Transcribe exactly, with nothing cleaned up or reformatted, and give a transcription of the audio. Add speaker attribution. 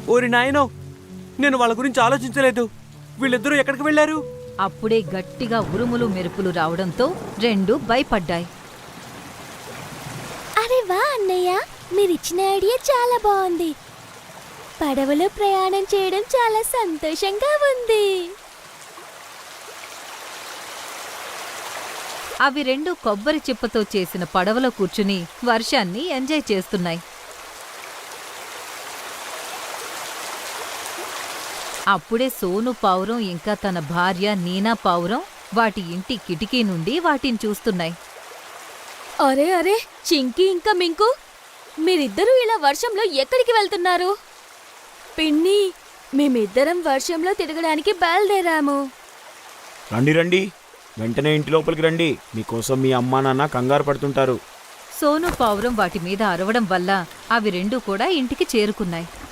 Speaker 1: ఓరి నాయనో, నేను వాళ్ళ గురించి ఆలోచించలేదు. వీళ్ళిద్దరూ ఎక్కడికి వెళ్ళారు?
Speaker 2: అప్పుడే గట్టిగా ఉరుములు మెరుపులు రావడంతో రెండు భయపడ్డాయి.
Speaker 3: అరే వా అన్నయ్య, మీరిచ్చిన ఐడియా చాలా బాగుంది. పడవలో ప్రయాణం చేయడం చాలా సంతోషంగా ఉంది.
Speaker 2: అవి రెండు కొబ్బరి చిప్పతో చేసిన పడవలో కూర్చుని వర్షాన్ని ఎంజాయ్ చేస్తున్నాయి. అప్పుడే సోను పావురం ఇంకా తన భార్య నీనా పావురం వాటి ఇంటి కిటికీ నుండి వాటిని చూస్తున్నాయి.
Speaker 3: అరే అరే చింకీ ఇంకా మింకు, మీరిద్దరూ ఇలా వర్షంలో ఎక్కడికి వెళ్తున్నారు? పిన్ని, మేమిద్దరం వర్షంలో తిరగడానికి బయలుదేరాము.
Speaker 4: రండి రండి, వెంటనే ఇంటి లోపలికి రండి. మీకోసం మీ అమ్మా నాన్న కంగారు పడుతుంటారు.
Speaker 2: సోను పావురం వాటి మీద అరవడం వల్ల అవి రెండూ కూడా ఇంటికి చేరుకున్నాయి.